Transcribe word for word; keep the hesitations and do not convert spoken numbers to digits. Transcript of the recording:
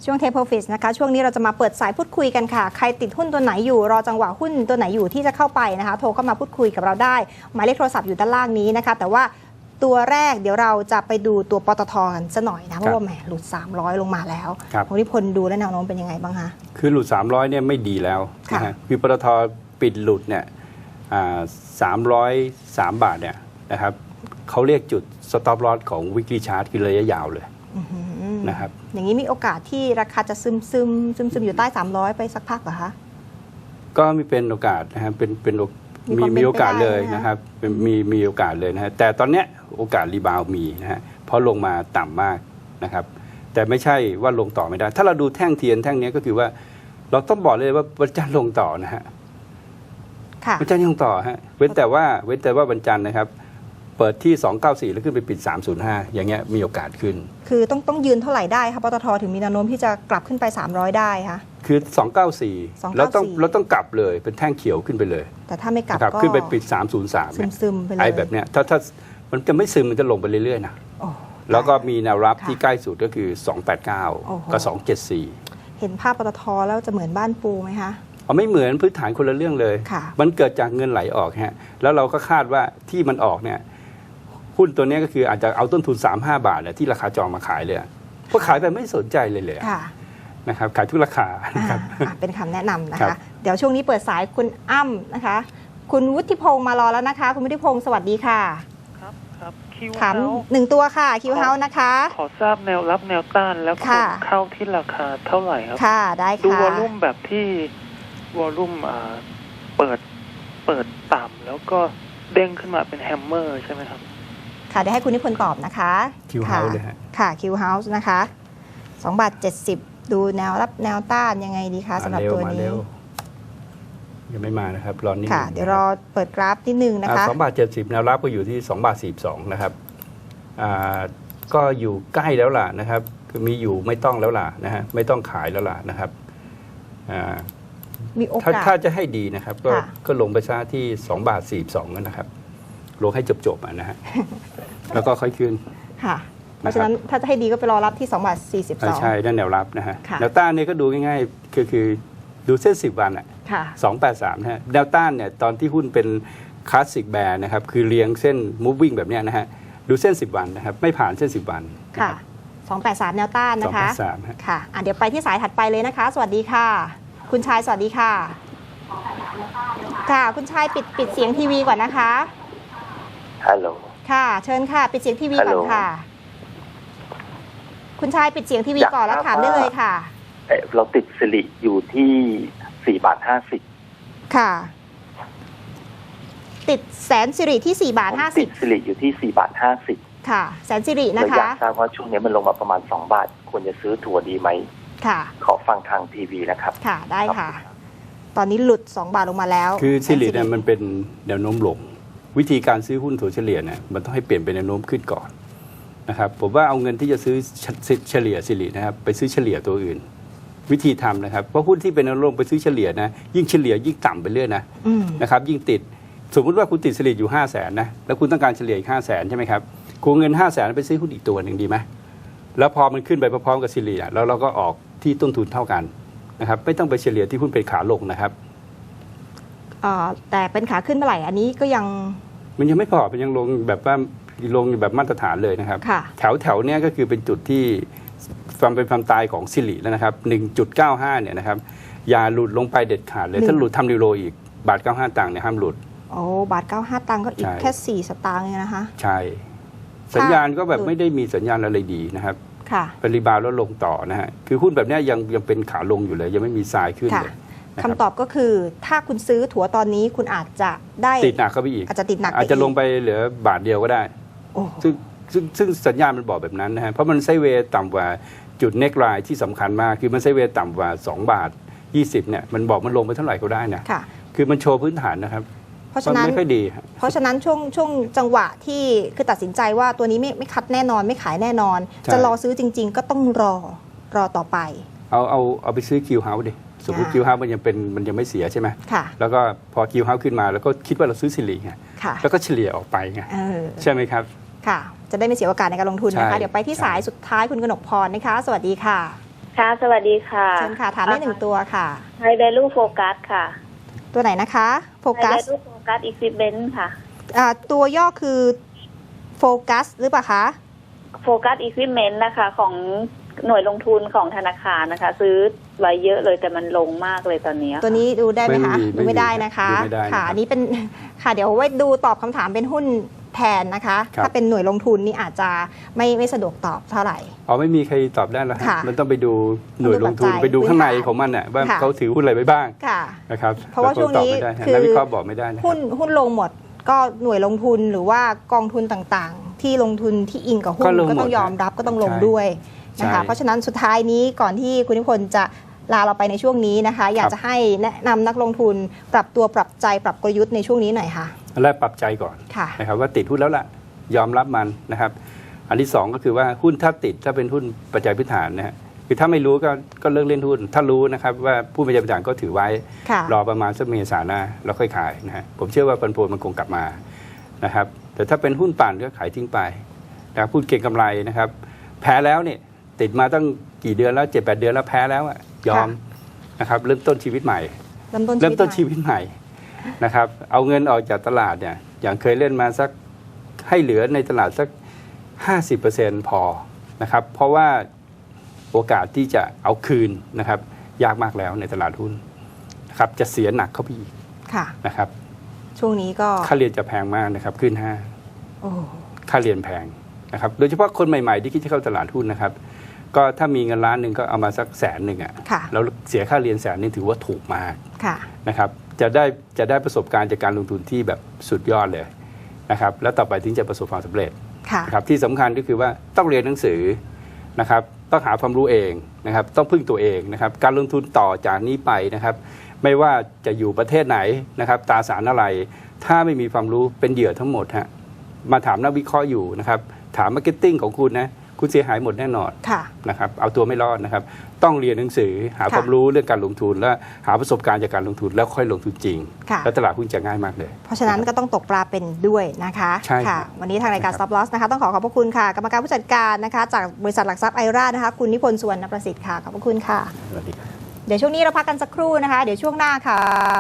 ช่วง Take Profit นะคะช่วงนี้เราจะมาเปิดสายพูดคุยกันค่ะใครติดหุ้นตัวไหนอยู่รอจังหวะหุ้นตัวไหนอยู่ที่จะเข้าไปนะคะโทรเข้ามาพูดคุยกับเราได้หมายเลขโทรศัพท์อยู่ด้านล่างนี้นะคะแต่ว่าตัวแรกเดี๋ยวเราจะไปดูตัวปตทกันซะหน่อยนะเพราะว่าแหมหลุดสามร้อยลงมาแล้วคุณนิพนธ์ดูและแนวโน้มเป็นยังไงบ้างคะคือหลุดสามร้อยเนี่ยไม่ดีแล้วนะฮะคือปตทปิดหลุดเนี่ยสามร้อยสามบาทเนี่ยนะครับเขาเรียกจุด stop loss ของ weekly chart คือระยะยาวเลยนะครับอย่างนี้มีโอกาสที่ราคาจะซึมซึมซึมซึมอยู่ใต้สามร้อยไปสักพักเหรอคะก็มีเป็นโอกาสนะฮะเป็นเป็นมีมีโอกาสเลยนะครับมีมีโอกาสเลยนะฮะแต่ตอนเนี้ยโอกาสรีบาวมีนะฮะเพราะลงมาต่ำมากนะครับแต่ไม่ใช่ว่าลงต่อไม่ได้ถ้าเราดูแท่งเทียนแท่งนี้ก็คือว่าเราต้องบอกเลยว่าวันจันทร์ลงต่อนะฮะวันจันทร์ลงต่อฮะเว้นแต่ว่าเว้นแต่ว่าวันจันทร์นะครับเปิดที่สองเก้าสี่แล้วขึ้นไปปิดสามศูนย์ห้าอย่างเงี้ยมีโอกาสขึ้นคือต้องต้องยืนเท่าไหร่ได้คะปตทถึงมีแนวโน้มที่จะกลับขึ้นไปสามร้อยได้คะคือสองเก้าสี่เราต้องเราต้องกลับเลยเป็นแท่งเขียวขึ้นไปเลยแต่ถ้าไม่กลับก็ขึ้นไปปิดสามศูนย์สามซึมๆไปเลยไอ้แบบเนี้ยถ้าถ้ามันจะไม่ซึมมันจะลงไปเรื่อยๆนะแล้วก็มีแนวรับที่ใกล้สุดก็คือสองแปดเก้ากับสองเจ็ดสี่เห็นภาพปตทแล้วจะเหมือนบ้านปูไหมคะอ๋อไม่เหมือนพื้นฐานคนละเรื่องเลยมันเกิดจากเงินไหลออกฮะแล้วเราก็คาดว่าที่มันออกเนี่ยหุ้นตัวนี้ก็คืออาจจะเอาต้นทุน สามสิบห้า บาทเนี่ยที่ราคาจองมาขายเลยเพราะขายไปไม่สนใจเลยเลยนะครับขายทุกราคานะครับเป็นคำแนะนำนะคะเดี๋ยวช่วงนี้เปิดสายคุณอ้ำนะคะคุณวุฒิพงศ์มารอแล้วนะคะคุณวุฒิพงศ์สวัสดีค่ะครับครับคิวถามหนึ่งตัวค่ะคิวเฮาส์นะคะขอทราบแนวรับแนวต้านแล้วเข้าที่ราคาเท่าไหร่ครับค่ะได้ค่ะดูวอลลุ่มแบบที่วอลลุ่มเปิดเปิดต่ำแล้วก็เด้งขึ้นมาเป็นแฮมเมอร์ใช่ไหมครับค่ะเดี๋ยวให้คุณนิพนธ์ตอบนะคะคิวเฮาส์เลยฮะค่ะคิวเฮาส์นะคะสองบาทเจ็ดสิบดูแนวรับแนวต้านยังไงดีคะสำหรับตัวนี้ยังไม่มานะครับรอนิดนึงค่ะเดี๋ยวรอเปิดกราฟนิดนึงนะคะสองบาทเจ็ดสิบแนวรับก็อยู่ที่สองบาทสี่สิบสองนะครับก็อยู่ใกล้แล้วล่ะนะครับคือมีอยู่ไม่ต้องแล้วล่ะนะฮะไม่ต้องขายแล้วล่ะนะครับมีโอกาสถ้าจะให้ดีนะครับก็ก็ลงไปซะที่สองบาทสี่สิบสองนะครับลงให้จบๆนะฮะแล้วก็ค่อยขึ้นค่ะเพราะฉะนั้นถ้าจะให้ดีก็ไปรอรับที่สองบาทสี่สิบสองใช่นั่นแนวรับนะฮะแนวต้านเนี่ยก็ดูง่ายๆคือคือดูเส้นสิบวันอ่ะสองแปดสามนะฮะแนวต้านเนี่ยตอนที่หุ้นเป็นคลาสสิกแบร์นะครับคือเรียงเส้น moving แบบเนี้ยนะฮะดูเส้นสิบวันนะครับไม่ผ่านเส้นสิบวันค่ะสองแปดสามแนวต้านนะคะสองแปดสามค่ะอ่ะเดี๋ยวไปที่สายถัดไปเลยนะคะสวัสดีค่ะคุณชายสวัสดีค่ะค่ะคุณชายปิดปิดเสียงทีวีก่อนนะคะฮัลโหลค่ะเชิญค่ะปิดเสียงทีวีก่อนค่ะคุณชายปิดเสียงทีวีก่อนแล้วถามได้เลยค่ะเราติดสิริอยู่ที่สี่บาทห้าสิบค่ะติดแสนสิริที่สี่บาทห้าสิบติดสิริอยู่ที่สี่บาทห้าสิบค่ะแสนสิรินะคะอยากทราบว่าช่วงนี้มันลงมาประมาณสองบาทควรจะซื้อถั่วดีไหมค่ะขอฟังทางทีวีนะครับค่ะได้ค่ะตอนนี้หลุดสองบาทลงมาแล้วคือสิริเนี่ยมันเป็นแนวโน้มลงวิธีการซื้อหุ้นถั่วเฉลี่ยเนี่ยมันต้องให้เปลี่ยนเป็นแนวโน้มขึ้นก่อนนะครับผมว่าเอาเงินที่จะซื้อเฉลี่ยสิรินะครับไปซื้อเฉลี่ยตัวอื่นวิธีทำนะครับเพราะหุ้นที่เป็นแนวโน้มไปซื้อเฉลี่ยนะยิ่งเฉลี่ยยิ่งต่ำไปเรื่อยนะนะครับยิ่งติดสมมุติว่าคุณติดสิริอยู่ห้าแสนนะแล้วคุณต้องการเฉลี่ยอีกห้าแสนใช่ไหมครับคุณเงินห้าแสนไปซื้อหุ้นอีกตัวหนึ่งดีไหมแล้วพอมันขึ้นไปพร้อมๆกับสิริแล้วเราก็ออกที่ต้นทุนเท่ากันนะครับไม่ต้องไปเฉลี่ยที่หุ้นเป็นขาลงนะครับแต่เป็นขาขึ้นเมื่อไหร่อันนี้ก็ยังมันยังไม่พอมันยังลงแบบว่าลงแบบมาตรฐานเลยนะครับแถวแถวเนี้ยก็คือเป็นจุดที่ความเป็นความตายของสิริแล้วนะครับ หนึ่งจุดเก้าห้า เนี่ยนะครับอย่าหลุดลงไปเด็ดขาดเลยถ้าหลุดทำนิวโรอีกบาทเก้าสิบห้าตังค์เนี่ยห้ามหลุดโอ้บาทเก้าสิบห้าตังค์ก็อีกแค่สี่สตางค์เองนะคะใช่สัญญาณก็แบบไม่ได้มีสัญญาณอะไรดีนะครับเป็นรีบาวแล้วลงต่อนะฮะคือหุ้นแบบนี้ยังยังเป็นขาลงอยู่เลยยังไม่มีทรายขึ้นเลยคำตอบก็คือถ้าคุณซื้อถั่วตอนนี้คุณอาจจะได้ติดหนักเข้าไปอีกอาจจะติดหนักอาจจะลงไปเหลือบาทเดียวก็ได้ซึ่งซึ่งซึ่งสัญญาณมันบอกแบบนั้นนะฮะเพราะมันไซด์เวย์ต่ำกว่าจุดเน็กไลน์ที่สำคัญมากคือมันไซด์เวย์ต่ำกว่าสองบาทยี่สิบเนี่ยมันบอกมันลงไปเท่าไหร่ก็ได้นะคือมันโชว์พื้นฐานนะครับเพราะฉะนั้นไม่ค่อยดีเพราะฉะนั้นช่วงช่วงจังหวะที่คือตัดสินใจว่าตัวนี้ไม่ไม่คัดแน่นอนไม่ขายแน่นอนจะรอซื้อจริงๆก็ต้องรอรอต่อไปเอาเอาเอาไปซื้อคิวเฮาส์ดิสมมติคิวเฮาส์มันยังเป็นมันยังไม่เสียใช่ไหมแล้วก็พอคิวเฮาส์ขึ้นมาแล้วก็คิดว่าเราซื้อสิริไงแล้วก็เฉลี่ยออกไปไงใช่ไหมครับค่ะจะได้ไม่เสียโอกาสในการลงทุนนะคะเดี๋ยวไปที่สายสุดท้ายคุณกนกพรนะคะสวัสดีค่ะค่ะ สวัสดีค่ะเชิญค่ะ ถามได้หนึ่งตัวค่ะไฮเดลูโฟกัสค่ะตัวไหนนะคะโฟกัไฮสเดลูโฟกัสอีซิเบนค่ะอ่าตัวย่อคือโฟกัสหรือเปล่าคะโฟกัสอีซิเมนนะคะ ของหน่วยลงทุนของธนาคารนะคะ ซื้อไว้เยอะเลยแต่มันลงมากเลยตอนนี้ค่ะตัวนี้ดูได้ไหมคะไม่มีดูไม่ได้นะคะดูไม่ได้นะครับค่ะอันนี้เป็น ค่ะเดี๋ยวไว้ดูตอบคำถามเป็นหุ้นแทนนะคะครับถ้าเป็นหน่วยลงทุนนี่อาจจะไม่ไม่สะดวกตอบเท่าไหร่อ๋อไม่มีใครตอบได้แล้วฮะค่ะมันต้องไปดูหน่วยลงทุนต้องดูปัจจัยไปดูข้างในพื้นฐานของมันน่ะว่าค่ะเขาถือหุ้นอะไรไว้บ้างค่ะนะครับเพราะว่าช่วงนี้แล้ก็ตอบไม่ได้ฮะคือนักวิเคราะห์บอกไม่ได้นะคหุ้รับนหุ้นลงหมดก็หน่วยลงทุนหรือว่ากองทุนต่างๆ ที่ลงทุนที่อิงกับหุ้ก็นลงหมดก็ต้องยอมรับก็ต้องลงใช่ด้วยนะคะใช่เพราะฉะนั้นสุดท้ายนี้ก่อนที่คุณนิพนธ์จะลาเราไปในช่วงนี้นะคะ อยากจะให้แนะนำนักลงทุนปรับตัวปรับใจปรับกลยุทธ์ในช่วงนี้หน่อยค่ะอันแรกปรับใจก่อนค่ะนะครับว่าติดหุ้นแล้วล่ะยอมรับมันนะครับ อันที่สองก็คือว่าหุ้นถ้าติดถ้าเป็นหุ้นปัจจัยพื้นฐานนะฮะคือถ้าไม่รู้ก็ก็เลิกเล่นหุ้น ถ้ารู้นะครับว่าผู้ปัจจัยพื้นฐานก็ถือไว้ค่ะรอประมาณสักเมษาหน้าแล้วค่อยขายนะฮะผมเชื่อว่าปันผลมันคงกลับมานะครับแต่ถ้าเป็นหุ้นปั่นก็ขายทิ้งไปนะครับหุ้นเก็งกำไรนะครับ แพ้แล้วเนี่ยติดมาตั้งกี่เดือนแล้วเจ็ดแปดเดือนแล้วแพ้แล้วอะยอมนะครับเริ่มต้นชีวิตใหม่เริ่มต้นเริ่มต้นชีชีวิตวิตใหม่นะครับเอาเงินออกจากตลาดเนี่ยอย่างเคยเล่นมาสักให้เหลือในตลาดสัก ห้าสิบเปอร์เซ็นต์ พอนะครับเพราะว่าโอกาสที่จะเอาคืนนะครับยากมากแล้วในตลาดหุ้นนะครับจะเสียหนักเข้าไปอีกค่ะนะครับช่วงนี้ก็ค่าเรียนจะแพงมากนะครับขึ้นห้าโอ้ค่าเรียนแพงนะครับโดยเฉพาะคนใหม่ๆที่คิดจะเข้าตลาดหุ้นนะครับก็ถ้ามีเงินล้านหนึ่งก็เอามาสักแสนหนึ่งอ่ะค่ะแล้วเสียค่าเรียนแสนนึงถือว่าถูกมากค่ะนะครับจะได้จะได้ประสบการณ์จากการลงทุนที่แบบสุดยอดเลยนะครับแล้วต่อไปถึงจะประสบความสำเร็จค่ะนะครับที่สำคัญก็คือว่าต้องเรียนหนังสือนะครับต้องหาความรู้เองนะครับต้องพึ่งตัวเองนะครับการลงทุนต่อจากนี้ไปนะครับไม่ว่าจะอยู่ประเทศไหนนะครับตราสารอะไร ถ้าไม่มีความรู้เป็นเหยื่อทั้งหมดฮะมาถามนักวิเคราะห์อยู่นะครับถามมาร์เก็ตติ้งของคุณนะคุณเสียหายหมดแน่นอนค่ะนะครับเอาตัวไม่รอดนะครับต้องเรียนหนังสือหาค่ะความรู้เรื่องการลงทุนและหาประสบการณ์จากการลงทุนแล้วค่อยลงทุนจริงค่ะแล้วตลาดหุ้นจะง่ายมากเลยเพราะฉะนั้นก็ต้องตกปลาเป็นด้วยนะคะใช่ครับค่ะ วันนี้ทางรายการนะครับ Stop Loss นะคะต้องขอขอบพระคุณค่ะ กรรมการผู้จัดการนะคะ จากบริษัทหลักทรัพย์ไอรานะคะ คุณนิพนธ์สุวรรณประสิทธิ์ค่ะ ขอบพระคุณค่ะสวัสดีครับเดี๋ยวช่วงนี้เราพักกันสักครู่นะคะ เดี๋ยวช่วงหน้าค่ะ